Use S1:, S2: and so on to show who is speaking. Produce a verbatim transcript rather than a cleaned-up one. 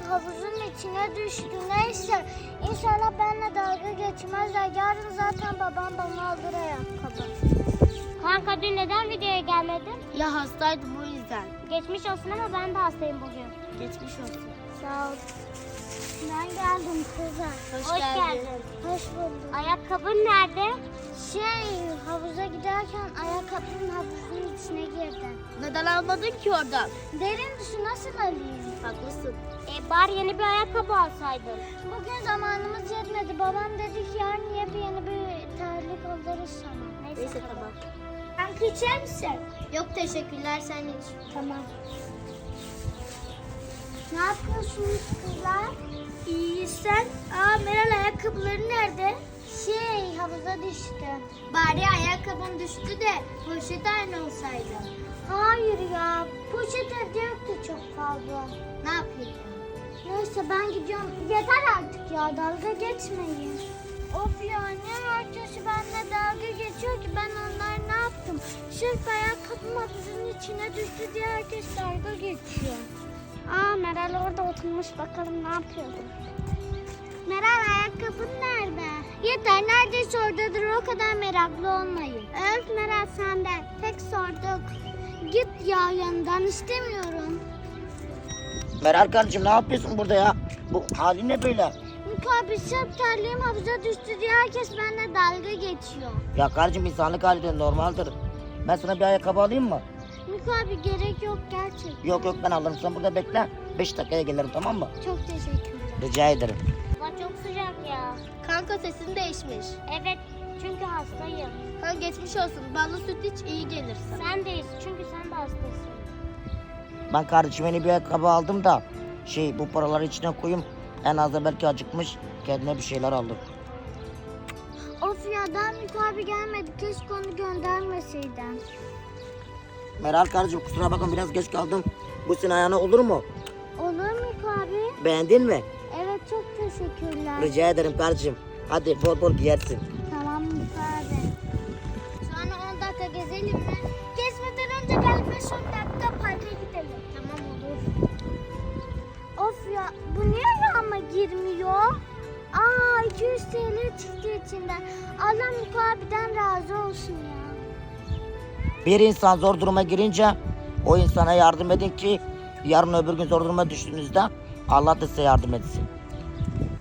S1: havuzun içine düştü. Neyse inşallah benimle dalga geçmezler. Yarın zaten babam bana alır ayakkabı.
S2: Kanka dün neden videoya gelmedin?
S3: Ya hastaydım o yüzden.
S2: Geçmiş olsun ama ben de hastayım bugün.
S3: Geçmiş olsun.
S1: Sağ ol. Ben geldim kızlar.
S3: Hoş,
S2: Hoş
S3: geldin.
S2: geldin.
S1: Hoş bulduk.
S2: Ayakkabın nerede?
S1: Şey havuza giderken ayakkabının havuzun içine girdi.
S3: Neden almadın ki oradan?
S1: Derin su nasıl alayım?
S3: Haklısın.
S2: E bari yeni bir ayakkabı alsaydın.
S1: Bugün zamanımız yetmedi. Babam dedi ki yarın niye bir yeni bir terlik alırız sana. Neyse,
S3: Neyse tamam.
S1: Sen içer misin?
S3: Yok teşekkürler, sen iç.
S1: Tamam. Ne yapıyorsunuz kızlar?
S3: İyi sen? Aa Meral ayakkabıları nerede?
S1: Şey havuza düştü.
S3: Bari ayakkabın düştü de poşet aynı olsaydı.
S1: Hayır ya. Poşet evde yoktu çok fazla.
S3: Ne yapayım?
S1: Neyse ben gidiyorum. Yeter artık ya dalga geçmeyin. Of ya ne herkesi benimle dalga geçiyor ki ben onlar ne yaptım? Sırf ayakkabım havuzun içine düştü diye herkes dalga geçiyor.
S2: Aa Meral orada oturmuş, bakalım ne yapıyordu.
S1: Meral ayakkabın nerede? Yeter neredeyse oradadır o kadar meraklı olmayın. Öf Meral senden tek sorduk. Git ya yanından istemiyorum.
S4: Meral kardeşim ne yapıyorsun burada ya? Bu halin ne böyle?
S1: Mikabi sırf terliğim havuza düştü diye herkes benimle dalga geçiyor.
S4: Ya kardeşim insanlık halidir, normaldir. Ben sana bir ayakkabı alayım mı?
S1: Mikabi gerek yok gerçekten.
S4: Yok yok ben alırım, sen burada bekle. Beş dakikaya gelirim, tamam mı?
S1: Çok teşekkürler.
S4: Rica ederim.
S2: Hava çok sıcak ya.
S3: Kanka sesin değişmiş.
S2: Evet, çünkü hastayım.
S3: Ha geçmiş olsun. Ballı süt iç iyi gelir sana.
S2: Sen deyiz çünkü sen de hastasın.
S4: Ben kardeşime yeni bir ayakkabı aldım da şey bu paraları içine koyayım. En az da belki acıkmış, kendine bir şeyler aldım.
S1: Of ya daha Mikabi gelmedi. Keşke onu göndermeseydin.
S4: Meral kardeşim kusura bakma biraz geç kaldım. Bu senin ayağına olur mu?
S1: Olur Mikabi?
S4: Beğendin mi?
S1: Evet çok teşekkürler.
S4: Rica ederim kardeşim. Hadi bol bol giyersin.
S1: Tamam Mikabi. Sonra on dakika gezelim mi? Gezmeden önce gel beş on dakika parka gidelim.
S3: Tamam olur.
S1: Of ya bu niye rağma girmiyor? Aa iki yüz T L çıktı içinden. Allah Mikabi'den razı olsun ya.
S4: Bir insan zor duruma girince o insana yardım edin ki yarın öbür gün zor duruma düştüğünüzde Allah da size yardım etsin.